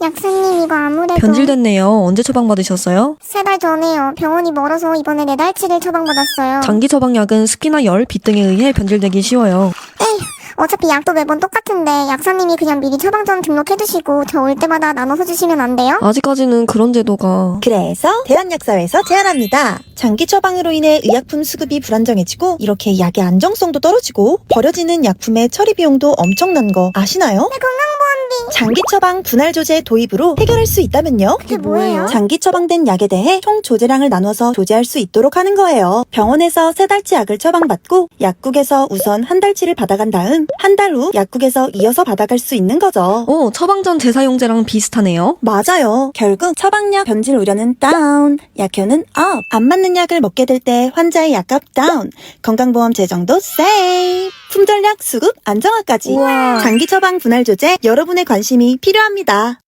약사님, 이거 아무래도 변질됐네요. 언제 처방받으셨어요? 3달 전에요. 병원이 멀어서 이번에 4달치를 처방받았어요. 장기 처방약은 습기나 열, 빛 등에 의해 변질되기 쉬워요. 에휴, 어차피 약도 매번 똑같은데 약사님이 그냥 미리 처방전 등록해두시고 저 올 때마다 나눠서 주시면 안 돼요? 아직까지는 그런 제도가... 그래서 대한약사회에서 제안합니다. 장기 처방으로 인해 의약품 수급이 불안정해지고 이렇게 약의 안정성도 떨어지고 버려지는 약품의 처리 비용도 엄청난 거 아시나요? 건강보험비. 장기 처방 분할 조제 도입으로 해결할 수 있다면요? 그게 뭐예요? 장기 처방된 약에 대해 총 조제량을 나눠서 조제할 수 있도록 하는 거예요. 병원에서 3달치 약을 처방받고 약국에서 우선 한 달치를 받아간 다음 한 달 후 약국에서 이어서 받아갈 수 있는 거죠. 오, 처방전 재사용제랑 비슷하네요. 맞아요. 결국 처방약 변질 우려는 다운, 약효는 업. 안 맞는 약을 먹게 될 때 환자의 약값 다운, 건강보험 재정도 세이브, 품절약 수급 안정화까지. 우와. 장기 처방 분할 조제 여러분의 관심이 필요합니다.